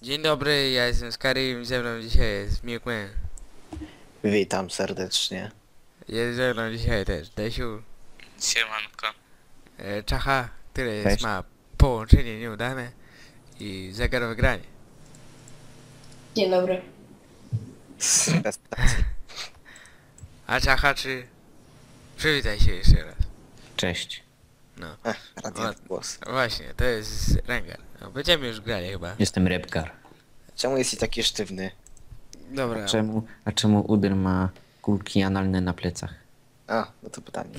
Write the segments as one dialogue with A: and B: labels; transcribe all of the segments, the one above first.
A: Dzień dobry, ja jestem Skyrim, ze mną dzisiaj jest Miłkman.
B: Witam serdecznie.
A: Jest ze mną dzisiaj też Desiu,
C: Siemanko.
A: Czacha, który
B: Cześć.
A: ma połączenie nieudane i zegarowe granie.
D: Dzień dobry.
B: Bez pytań.
A: A Czacha czy... Przywitaj się jeszcze raz.
E: Cześć.
A: No,
B: Radiant głos.
A: właśnie, to jest Rengar. No, będziemy już grali chyba.
E: Jestem Repkar.
B: Czemu jesteś taki sztywny?
A: Dobra,
E: Czemu Udyr ma kulki analne na plecach?
B: A, no to pytanie.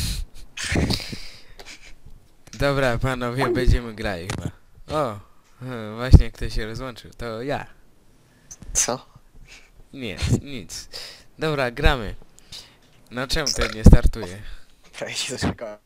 A: dobra panowie, będziemy grali chyba. O, właśnie ktoś się rozłączył, to ja.
B: Co?
A: Nie, nic. Dobra, gramy. No czemu ten nie startuje?
B: Prawie się doczekałem.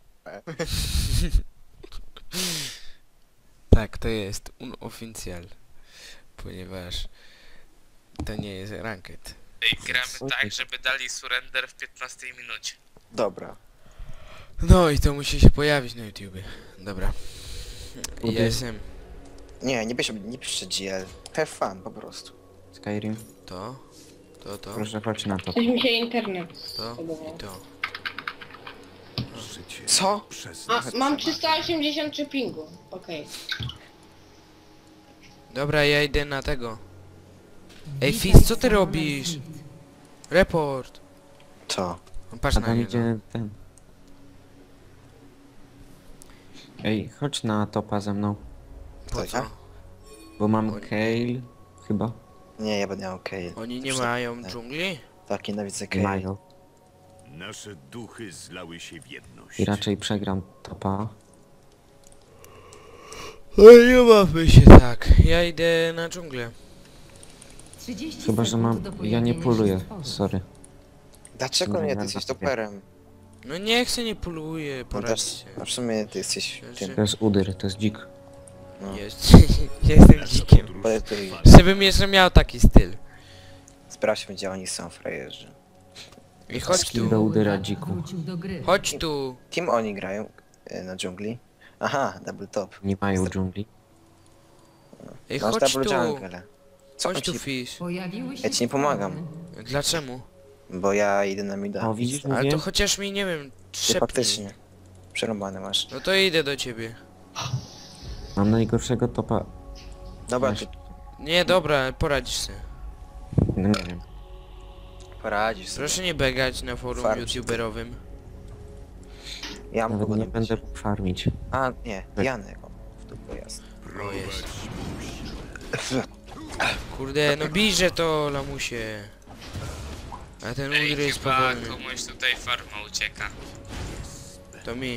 A: Tak, to jest unoficjal, ponieważ to nie jest ranked.
C: Ej, gramy tak, żeby dali surrender w 15 minucie.
B: Dobra.
A: No i to musi się pojawić na YouTubie. Dobra. Ja
E: Udy.
A: jestem
B: Nie piszcie GL. Have fun po prostu.
E: Skyrim?
A: to,
E: Proszę, chodź na to.
D: Coś mi się internet
A: to
D: zbugował.
A: i to.
B: Co?
D: A, mam 383 pingu. Okej.
A: Dobra, ja idę na tego. Ej, Fizz, co ty robisz? Report.
B: Co?
A: No, patrz
E: A
A: na
E: tam
A: niego.
E: idzie ten. Ej, chodź na topa ze mną.
A: Po
B: Co,
A: co?
B: ja?
E: Bo mam
A: Oj.
E: Kale, chyba.
B: Nie, ja będę miał okej.
A: Oni nie mają dżungli?
B: Tak, nienawidzę
E: Nie
B: Kale.
E: mają.
F: Nasze duchy zlały się w jedność.
E: I raczej przegram topa.
A: Oj, nie bawmy się tak. Ja idę na dżunglę.
E: Chyba, że mam... Ja nie poluję, sorry.
B: Dlaczego
E: Nie,
B: nie?
E: ja
B: Ty jesteś
E: zabiję.
B: toperem.
A: No nie chcę, nie poluję,
B: No
A: poradź
B: też,
A: się.
B: a w sumie ty jesteś tym.
E: To jest Udyr, to jest dzik.
B: No.
A: Jest. Jestem dzikiem.
B: Poletuj.
A: Żebym jeszcze miał taki styl.
B: Sprawdźmy, gdzie oni są, frajerzy.
A: I chodź
E: Skill do
A: tu.
E: Udyra, dziku.
A: Chodź tu.
B: Kim oni grają na dżungli? Aha, double top.
E: Nie mają dżungli.
A: Ej,
B: Masz
A: chodź
B: double
A: tu.
B: jungle. Co
A: Chodź
B: on
A: tu,
B: ci...
A: Fish.
B: Ja ci nie pomagam,
A: Dlaczego?
B: bo ja idę na mida.
E: O, widzisz,
A: Ale
E: mówię?
A: to chociaż mi, nie wiem,
B: Ty
A: trzepnij.
B: faktycznie. Przerąbane masz.
A: No to idę do ciebie.
E: Mam najgorszego topa.
B: Dobra,
E: Masz.
B: ty
A: Nie, dobra, poradzisz sobie.
E: No nie wiem.
B: poradzisz sobie.
A: Proszę nie begać na forum
B: Farm.
A: youtuberowym.
B: Ja mam
E: Nawet
B: kogo
E: nie
B: dobić.
E: będę farmić.
B: A, nie, Janek. O, w dupę jest.
A: O, jest. Kurde, no bijże to, lamusie. A ten
C: Ej,
A: udry jest
C: chyba
A: powolny.
C: komuś tutaj farma ucieka.
A: To mi.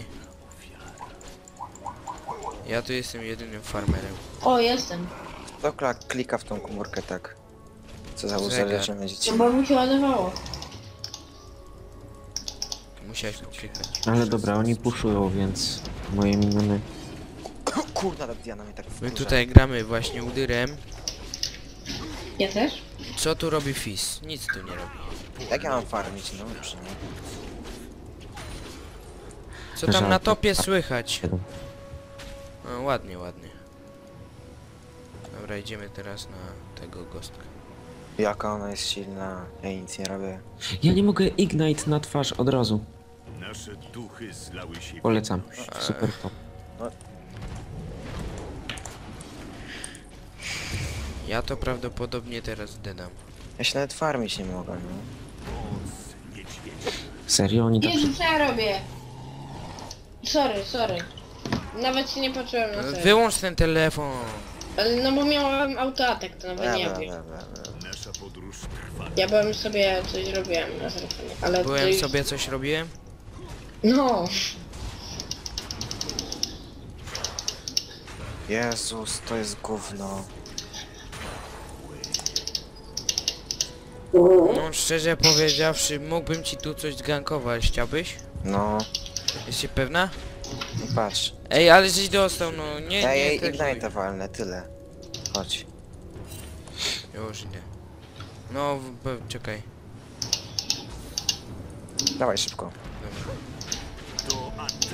A: Ja tu jestem jedynym farmerem.
D: O, jestem.
B: Kto klika w tą komórkę tak? Co za
A: Zegar.
B: uzależnione dzieci?
D: No bo mi się ładowało.
A: Musiałeś poklikać.
E: Ale dobra, oni puszują, więc moje miniony...
B: Kurna, ta Diana mnie tak
A: My
B: wkurza.
A: tutaj gramy właśnie udyrem.
D: Ja też?
A: Co tu robi Fizz? Nic tu nie robi.
B: Jak ja mam farmić, no przy nim?
A: Co tam na
E: Żadnych.
A: topie słychać?
E: 7.
A: No, ładnie, ładnie. Dobra, idziemy teraz na tego gostka.
B: Jaka ona jest silna, ja nic nie robię.
E: Ja nie mogę Ignite na twarz od razu.
F: Nasze duchy zlały się w
E: Polecam.
F: jedność.
E: Super top.
A: Ja to prawdopodobnie teraz dedam.
B: Ja się nawet farmić nie mogę, no.
E: Serio? Oni tak...
D: Jezu, co ja robię? Sorry. Nawet się nie patrzyłem na to.
A: Wyłącz ten telefon!
D: Ale no bo miałem autoatak, to nawet nie wiem.
F: Nasza podróż trwa.
D: Ja byłem sobie coś robiłem na telefonie, ale to
A: Byłem
D: już...
A: sobie coś robiłem?
D: No.
B: Jezus, to jest gówno.
A: No szczerze powiedziawszy, mógłbym ci tu coś zgankować, chciałbyś?
B: No,
A: Jesteś pewna?
B: no patrz.
A: Ej, ale żeś dostał, no nie,
B: Ja
A: nie,
B: jej
A: tak
B: Ignite'a walnę, tyle. Chodź.
A: Już idę. No, czekaj.
B: Dawaj szybko.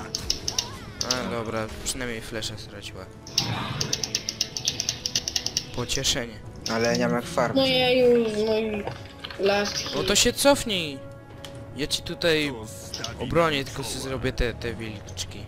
A: A dobra, przynajmniej flesza straciła. Pocieszenie.
B: Ale nie mam jak farm.
D: No ja już, no i last
A: No to się cofnij. Ja ci tutaj obronię, tylko sobie zrobię te wilczki.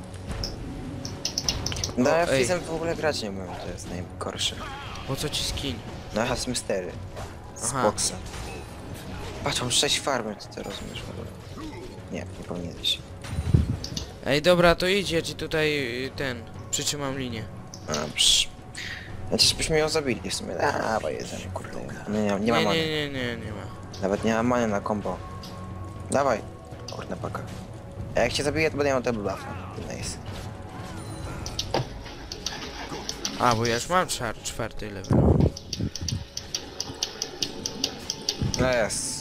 B: No ja
A: ej.
B: Fizem w ogóle grać nie umiem, to jest najgorsze.
A: Po co ci skin?
B: No ja z mystery. Z
A: Aha.
B: boksa. Patrz, mam 6 farmy, ty to rozumiesz w ogóle. Nie, nie powinieneś.
A: Ej, dobra, to idź, ja ci tutaj przytrzymam linię.
B: Dobrze. Znaczy, byśmy ją zabili w sumie. Dawaj, jedzenie, kurde. No nie ma
A: Nie,
B: many.
A: nie ma.
B: Nawet nie ma many na combo. Dawaj. Kurde, paka. A jak cię zabiję, to będę miał double buffa. Nice.
A: A, bo ja już mam czwarty level.
B: No jest.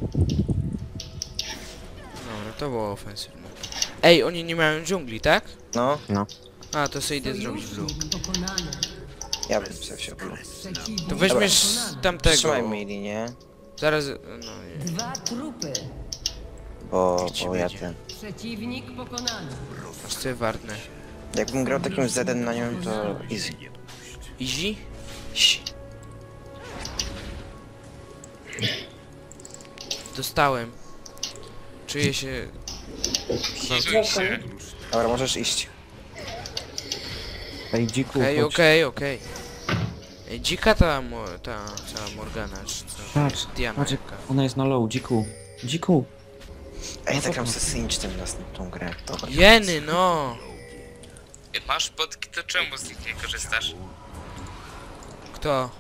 A: Dobra, to było ofensywne. Ej, oni nie mają dżungli, tak?
B: No,
A: A, to sobie idę zrobić blue.
B: ja bym sobie wziął.
A: To weźmiesz tamtego.
B: Trzymaj mi linię,
A: Zaraz, no nie.
E: 2 trupy.
B: bo
A: ci
B: ja
A: będzie?
B: ten...
E: Przeciwnik pokonany.
A: Aż sobie wartnę.
B: Jakbym grał takim Z1 na nią, to easy.
A: Easy?
B: Si.
A: Dostałem. Czuję się...
C: Hizuj się.
B: Dobra, możesz iść.
G: Ej, dziku,
A: Okej. Ej, dzika ta cała Morgana, czy co?
G: Patrz,
A: Diana
G: patrz,
A: jaka.
G: ona jest na low, dziku. Dziku.
B: Ej, tak mam se synć tym następną grę. Dobra.
A: Jeny, no!
C: Masz podki, to czemu z nich nie korzystasz?
A: Kto?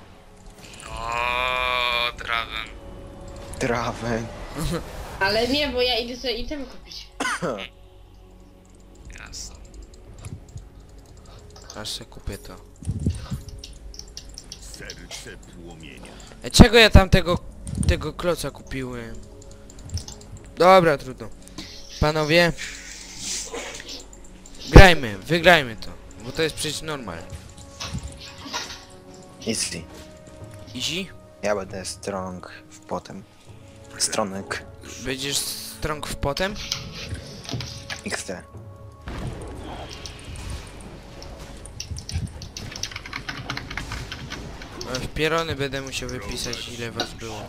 C: O, Draven.
B: Trawę.
D: Ale nie, bo ja idę sobie item kupić.
C: Jasne.
A: Aż se kupię to.
F: Serce płomienia.
A: Ej, czego ja tam tego kloca kupiłem? Dobra, trudno. Panowie. Grajmy, wygrajmy to. Bo to jest przecież normal.
B: Easy.
A: Easy?
B: Ja będę strong w potem. Stronek.
A: Będziesz strong w potem?
B: XT.
A: W pierony będę musiał wypisać, ile was było.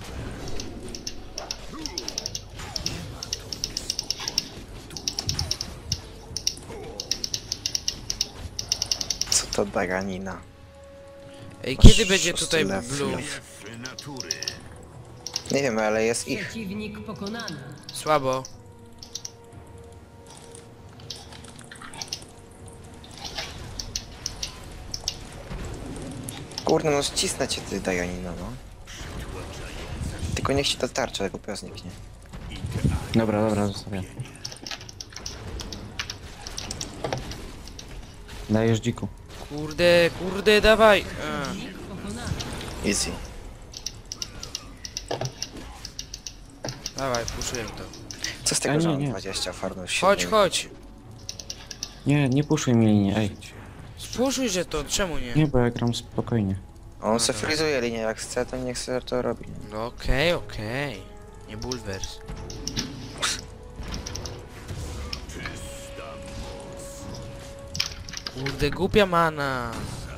B: Co to daganina?
A: Ej, kiedy będzie tutaj
B: Szósty
A: blue?
B: level.
F: F natury.
B: Nie wiem, ale jest ich.
E: Przeciwnik pokonany.
A: Słabo.
B: Kurde, no ścisnę cię ty daganina, no. Tylko niech ci to tarcza, jak głupio zniknie.
G: Dobra, zostawiam. Dajesz dziku.
A: Kurde, dawaj!
E: Przeciwnik pokonany.
B: Easy.
A: Dawaj, puszuję to.
B: Co z tego,
G: nie,
B: że mam
G: nie.
B: 20 farmów?
A: Chodź!
G: Nie puszuj mi linię, ej.
A: Spuszuj, że to, czemu nie?
G: Nie, bo ja gram spokojnie.
B: On se frizuje linię, jak chce, to niech se to robi.
A: No okej. Nie bulwers. Kurde, głupia mana.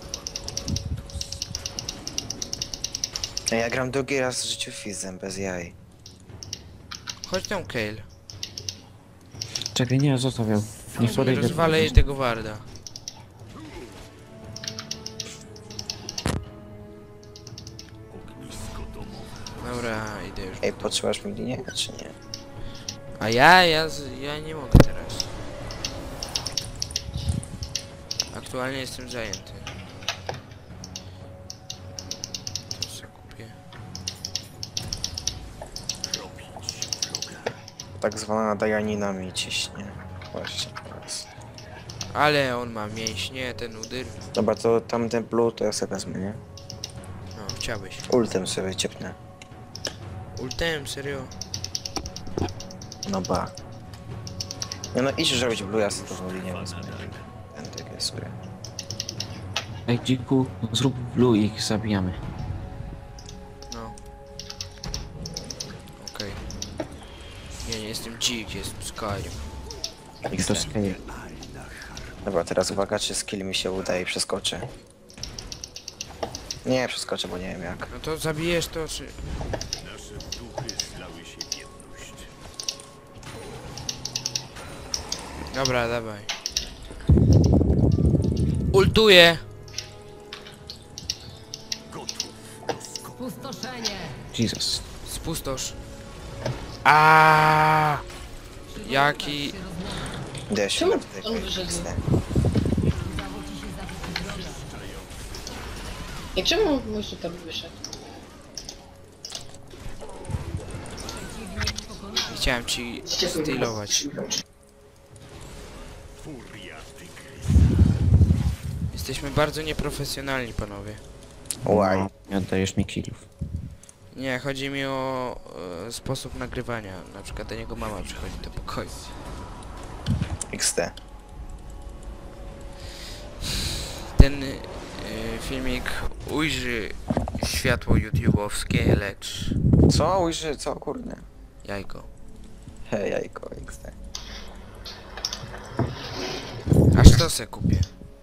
B: Ja gram drugi raz w życiu Fizem, bez jaj.
A: Chodź tam, Kale.
G: Czekaj, nie, zostawiam. Niech podejdzie.
A: Rozwalę jej tego warda. Dobra, idę już.
B: Ej, potrzebasz mi linię, czy nie?
A: A ja nie mogę teraz. Aktualnie jestem zajęty. To co kupię?
B: Tak zwana daganina mi ciśnie. Właśnie teraz.
A: Ale on ma mięśnie, ten udyr.
B: Dobra, to tamten blue to ja sobie wezmę, nie?
A: No, chciałbyś.
B: Ultem sobie ciepnę.
A: Ultem, serio?
B: No ba. Nie no, idź już robić blue, ja sobie tą linię wezmę. Będę sobie.
G: Ej, dziku, zrób blue i ich zabijamy.
A: No. Okej. Nie jestem dzik, jestem Skyrim.
G: I to scale.
B: Dobra, teraz uwaga, czy skill mi się uda i przeskoczę. Nie, przeskoczę, bo nie wiem jak.
A: No to zabijesz to, czy...
F: Nasze duchy zlały się w jedność.
A: Dobra, dawaj. Ultuję!
E: Pustoszenie.
G: Jesus.
A: Spustosz. Aaaa! Jaki...
B: Idę się
D: Czemu
B: na tutaj
D: on wyszedł?
B: XD.
D: I czemu mój super wyszedł?
A: Chciałem ci stylować.
F: Furia tygrys.
A: Jesteśmy bardzo nieprofesjonalni, panowie.
B: Łaj.
G: No, nie oddajesz mi killów.
A: Nie, chodzi mi o sposób nagrywania. Na przykład do niego mama przychodzi do pokoju.
B: XD.
A: Ten filmik ujrzy światło YouTube'owskie, lecz
B: Co? Ujrzy, co? Kurde.
A: jajko.
B: Hej, jajko, XD.
A: Aż to se kupię.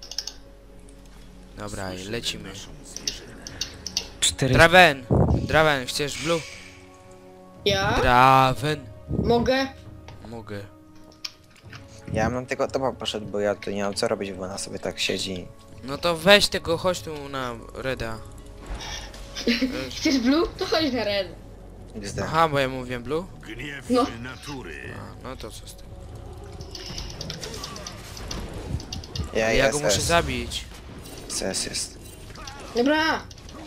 A: Dobra, i lecimy.
G: 4...
A: Draven! Draven, chcesz blue?
D: Ja?
A: Draven!
D: Mogę?
A: Mogę.
B: Ja bym tylko topa poszedł, bo ja tu nie mam co robić, bo ona sobie tak siedzi.
A: No to weź tego, chodź tu na Reda.
D: Chcesz blue? To chodź na red.
B: XD.
A: Aha, bo ja mówię blue?
F: Gniew
D: No.
F: natury.
A: A, no to co z tym?
B: Ja
A: go muszę zabić.
B: SS jest.
D: Dobra.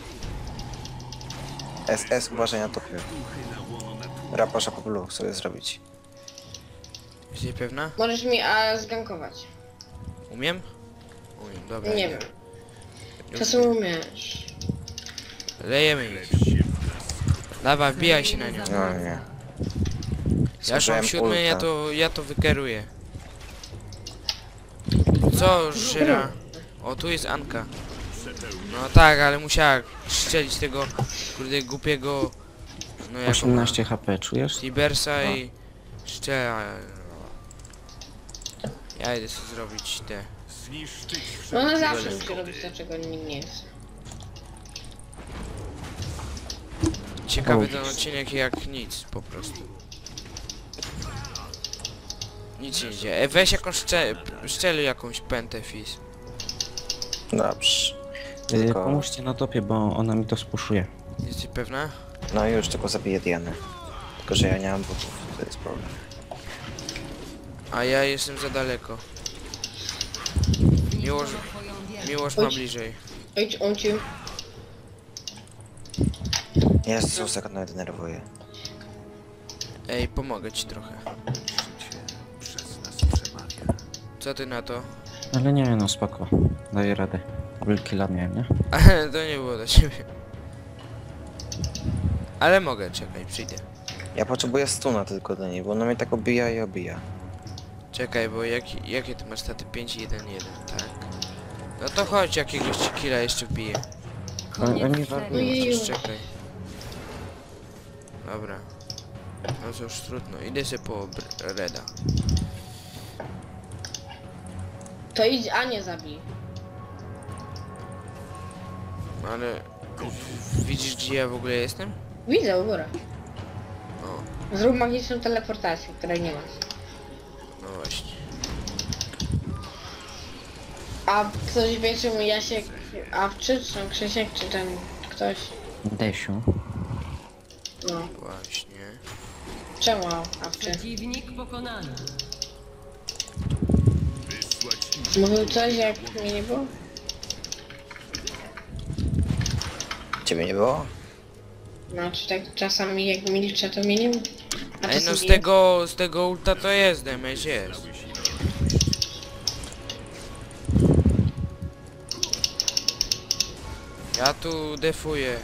B: SS, uważaj na topie. Raposza po blue sobie zrobić.
A: Jesteś pewna?
D: Możesz mi zgankować.
A: Umiem? Umiem, dobra.
D: Nie wiem. Czasem umiesz.
A: Lejemy ich. Dawaj, wbijaj się na nią.
B: No nie.
A: Ja już mam
B: Zużyłem
A: 7,
B: ulta.
A: ja to wykeruję. Co, Żyra? O, tu jest Anka. No tak, ale musiała strzelić tego, kurde, głupiego... No jak
G: 18 HP, czujesz?
A: Tibersa i... Szczela... Ja idę sobie zrobić te...
F: Zniszczyć
D: No ona
F: wszelkie
D: zawsze musi
F: przeszkody.
D: robić to, czego nikt nie jest.
A: Ciekawy
G: O.
A: ten odcinek jak nic, po prostu. Nic nie idzie. Weź jakąś szczeli jakąś pętę, Fizz.
B: Dobrze. Tylko...
G: Pomóżcie na topie, bo ona mi to spuszuje.
A: Jesteś pewna?
B: No już, tylko zabiję Dianę. Tylko, że ja nie mam butów, to jest problem.
A: A ja jestem za daleko. Miłosz ma bliżej.
D: Idź, on ci.
B: Jest, Susek mnie denerwuje.
A: Ej, pomogę ci trochę.
F: Przez nas przemawia.
A: Co ty na to?
G: Ale nie, no spoko. Daję radę. Wielki lat miałem, nie?
A: Ale to nie było do ciebie. Ale mogę, czekaj, przyjdę.
B: Ja potrzebuję stuna tylko do niej, bo ona mnie tak obija i obija.
A: Czekaj, bo jakie ty masz staty? 5 1 1, tak. No to chodź, jakiegoś ci killa jeszcze wbiję.
G: Ale mi
D: Ojeju.
A: Czekaj. Dobra. No cóż, trudno. Idę sobie po Reda.
D: To idź, a nie zabij.
A: Ale... Widzisz, gdzie ja w ogóle jestem?
D: Widzę u góry.
A: O,
D: Zrób magiczną teleportację, której nie masz.
A: no właśnie.
D: A ktoś wie, czemu Jasiek, Awczy, czy Krzysiek, czy ten ktoś?
G: Desiu.
D: No.
A: Właśnie.
D: Czemu Awczy?
E: Przeciwnik pokonany.
F: Wysłać
D: Mówił coś, jak mnie nie było?
B: Ciebie nie było?
D: No, czy tak czasami jak milczę, to mnie nie mówi. A
A: Ej, no
D: czasami
A: z tego ulta to jest, damage jest. Ja tu defuję.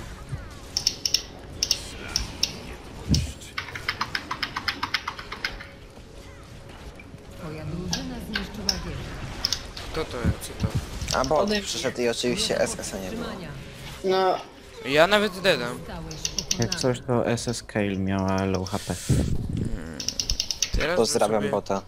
E: Twoja drużyna zniszczyła wieżę.
A: Kto to jest? Co to?
B: A bo
D: Ode mnie.
B: przyszedł i oczywiście SS-a nie było.
E: Trzymania.
D: No,
A: Ja nawet dedam.
E: Zostałeś
G: Jak
E: pokonany.
G: coś to SS Kale miała low HP.
A: Teraz
B: Pozdrawiam
A: sobie...
B: bota.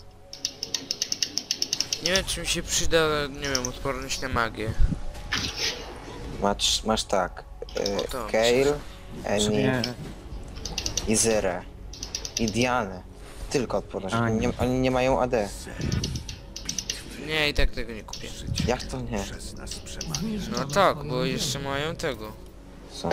A: Nie wiem, czy mi się przyda, nie wiem, odporność na magię.
B: Masz tak.
A: to
B: Kayle, Annie
E: Sobie...
B: i Zyrę. I Dianę. Tylko odporność.
E: A,
B: Oni nie mają AD.
A: Nie, i tak tego nie kupię.
B: Jak to nie?
F: Przez nas przemawia.
A: No tak, bo jeszcze mają tego.
B: Co?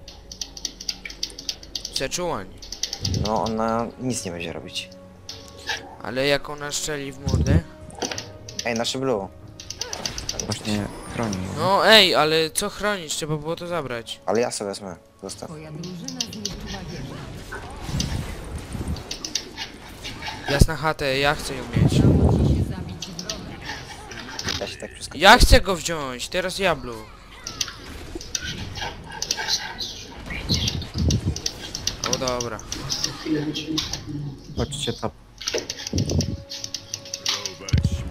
A: Przeczułań.
B: No ona nic nie będzie robić.
A: Ale jak ona strzeli w mordę?
B: Ej, nasze blue.
E: Właśnie chroni.
A: No ej, ale co chronić? Trzeba było to zabrać.
B: Ale ja sobie wezmę. Zostaw.
H: Twoja drużyna zniszczyła wieżę.
A: Jasna chatę, ja chcę ją mieć.
H: Udało ci się zabić wroga.
B: Ja się tak przeskoczę.
A: Ja chcę go wziąć, teraz Jablu. O dobra.
E: Chodźcie top.
F: Prowadź musi.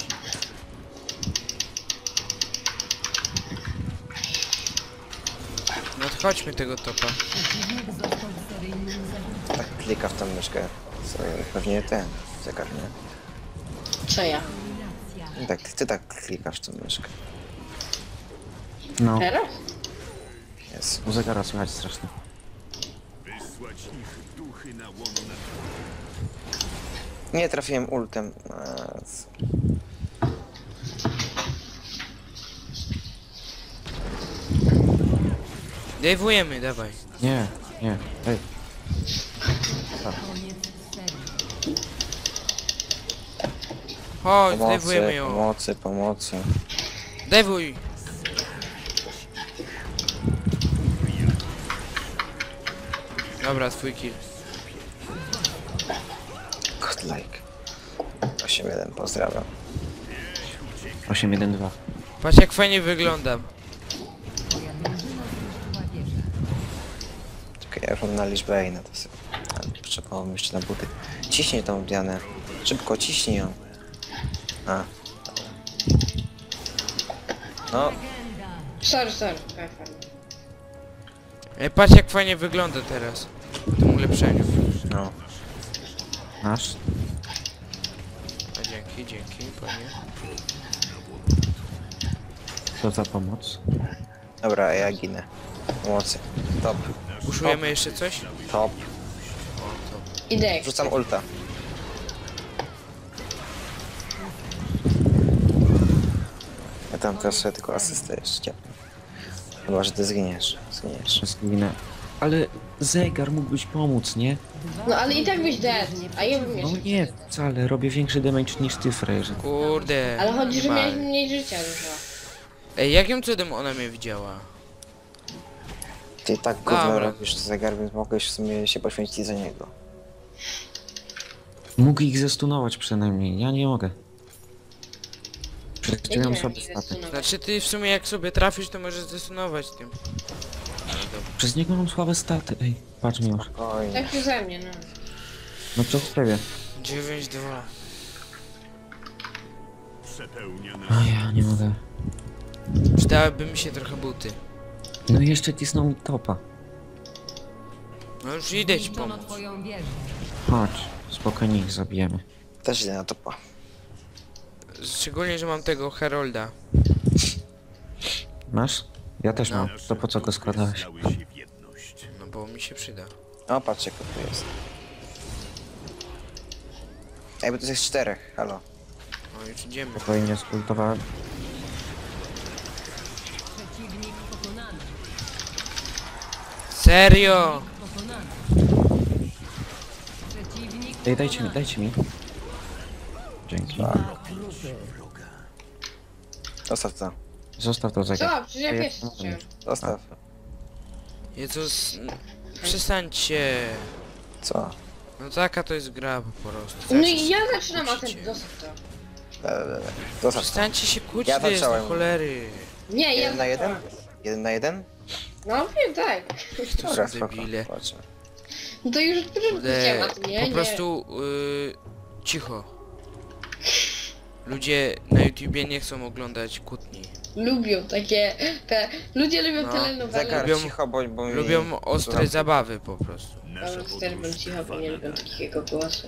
A: No to chodźmy tego topa.
H: Przeciwnik został seryjnym zabójcą.
B: Tak klika w tą myszkę. Co, pewnie ten zegar, nie?
D: Co ja?
H: Eliminacja.
B: I tak, ty tak klikasz w tą myszkę.
E: No,
D: Teraz?
B: Jest.
E: u zegara słychać strasznie.
F: Wysłać ich duchy na łono na
B: Nie trafiłem ultem.
A: Dejwujemy, dawaj.
E: Nie, nie. Ej,
H: Koniec serii.
A: Chodź,
B: Pomocy,
A: dejwujemy ją.
B: pomocy.
A: Dejwuj. Dobra, twój kill.
B: Godlike. 8-1, pozdrawiam.
E: 8-1-2.
A: Patrz jak fajnie wyglądam.
H: Twoja drużyna zniszczyła wieżę.
B: Czekaj, ja już mam na liczbę i na to sobie. Potrzebowało mi jeszcze na buty. Ciśnij tą Dianę. Szybko, ciśnij ją. A. Dobra. No,
D: Sorry.
A: Ej, patrz jak fajnie wygląda teraz. W tym ulepszeniu.
B: no.
E: Masz?
A: A dzięki, panie.
E: Co za pomoc?
B: Dobra, ja ginę. Pomocy. Top,
A: Uszujemy jeszcze coś?
B: top.
D: Idę.
B: Rzucam ulta. Ja tam teraz sobie tylko asystę jeszcze. Chyba, że ty zginiesz.
E: Zginę. Ale zegar mógłbyś pomóc, nie?
D: No ale i tak byś dead. A ja bym
E: No
D: jeszcze.
E: nie, wcale. Robię większy damage niż ty, frajerze.
A: Kurde.
D: Ale chodzi,
A: nie
D: że
A: ma.
D: miałeś mniej życia dużo.
A: Ej, jakim cudem ona mnie widziała?
B: Ty tak gówno
A: Dobra.
B: robisz zegar, więc mogłeś w sumie się poświęcić za niego.
E: Mógł ich zestunować przynajmniej. Ja nie mogę. Przecież
D: Nie
E: mam
D: wiem,
E: słabe
D: jak
E: staty.
D: zestunować.
A: Znaczy ty w sumie jak sobie trafisz, to możesz zdesunować tym.
E: Przez niego mam słabe staty. Ej, patrz mi już.
B: Oj,
D: Tak przeze mnie, no.
E: No co w sprawie?
A: 9-2.
F: przepełnia
E: A
F: nas.
E: ja nie mogę.
A: Przydałyby mi się trochę buty.
E: No i jeszcze cisnął mi topa.
A: No już idę ci
H: Zniszczono
A: pomóc.
H: twoją wieżę.
E: Chodź, spokojnie ich zabijemy.
B: też idę na topa.
A: Szczególnie, że mam tego Herolda.
E: Masz? Ja też
A: No.
E: mam. To po co go
F: Duchy
E: składałeś?
F: zlały się w jedność.
A: No bo mi się przyda.
B: O, patrz jak to tu jest. Ej, bo to jest 4, halo.
A: No już idziemy.
E: Spokojnie skultowałem.
H: Przeciwnik pokonany.
A: Serio!
H: Pokonany. Przeciwnik
E: Ej,
H: pokonany.
E: dajcie mi. Dzięki.
B: Zostaw to.
E: Zostaw to zegar.
D: Co? Przecież ja
E: Ja
D: pierwszy
E: nie mogę
D: chciałem.
E: mieć.
B: Zostaw.
A: Jezus, przestańcie.
B: Co?
A: No taka to jest gra po prostu.
D: No
A: Zawsze
D: i
A: się
D: ja zaczynam, a
A: kłócicie.
D: ten dosyć to.
B: Zostaw to.
A: Przestańcie się kłócić,
B: Ja
A: to jest
B: zacząłem.
A: do cholery.
D: Nie, ja
B: 1 na 1? 1 na 1?
D: No wiem, tak.
A: To
B: Dobra,
A: są
B: spoko.
A: debile.
B: Patrzę.
D: No to już którym
A: Kurde,
D: chciałem, a ty nie,
A: po
D: nie.
A: prostu cicho. Ludzie na YouTubie nie chcą oglądać kłótni.
D: Lubią takie, ludzie lubią
A: No,
D: telenowele.
B: Zegar,
A: Lubią-
B: cicho, bo mi...
A: Lubią ostre
B: Słucham.
A: zabawy po prostu.
F: Nasza
D: Ale też bym
F: podróż
D: cicho, bo
F: trwa
D: nie lubią
F: nadal.
D: takiego głosu.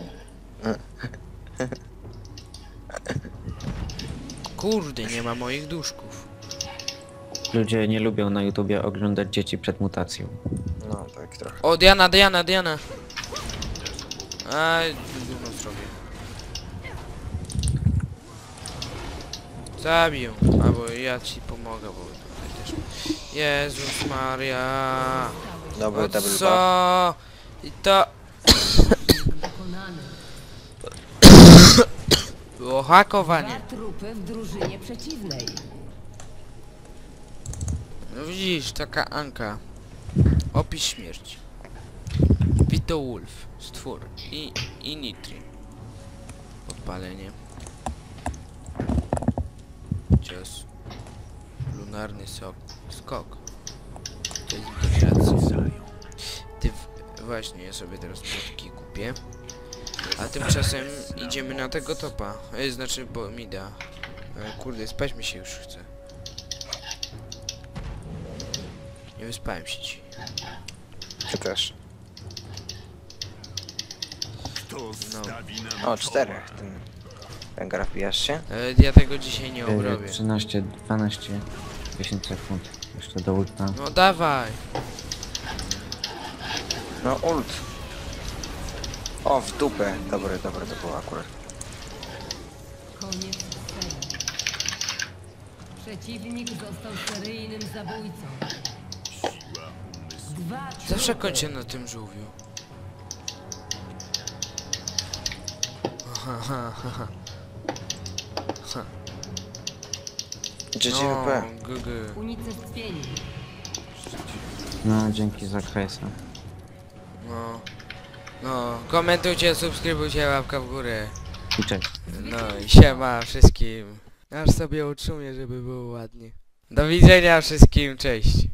A: Kurde, nie ma moich duszków.
G: Ludzie nie lubią na YouTubie oglądać dzieci przed mutacją.
B: No, tak trochę.
A: O, Diana, Diana, Diana. Aj, gówno zrobię. Zabij ją, albo ja ci pomogę, bo tutaj też... Jezus Maria.
B: Dobry
A: O
B: double buff.
A: co? I to...
H: Pokonany.
A: Było hakowanie.
H: Dwa trupy w drużynie przeciwnej.
A: No widzisz, taka Anka. Opis śmierci. Vito Wolf, stwór i Nitri. Podpalenie. Cios. Lunarny skok. To jest integracja. Właśnie, ja sobie teraz płotki kupię. A tymczasem idziemy na tego topa. Znaczy, bo mi da. Kurde, spać mi się już chce. Nie wyspałem się ci.
B: Ty też.
F: Kto stawi nam
B: O, 4. Ten... Węgra wbijasz się?
A: Ja tego dzisiaj nie obrobię.
G: 13, 12, 10 sekund. Jeszcze do ulta.
A: No dawaj.
B: No, ult. O, w dupę. Dobre to było akurat.
H: Koniec serii. Przeciwnik został seryjnym zabójcą. Dwa
A: Zawsze
H: trupy.
A: kończę na tym żółwiu. Ha, ha, ha, ha. Ha.
B: GGWP.
A: GG.
H: Unicestwieni.
G: No, dzięki za kresa.
A: No. No, komentujcie, subskrybujcie, łapka w górę.
G: I cześć.
A: No i siema wszystkim. Aż sobie utrzymuję, żeby było ładnie. Do widzenia wszystkim, cześć.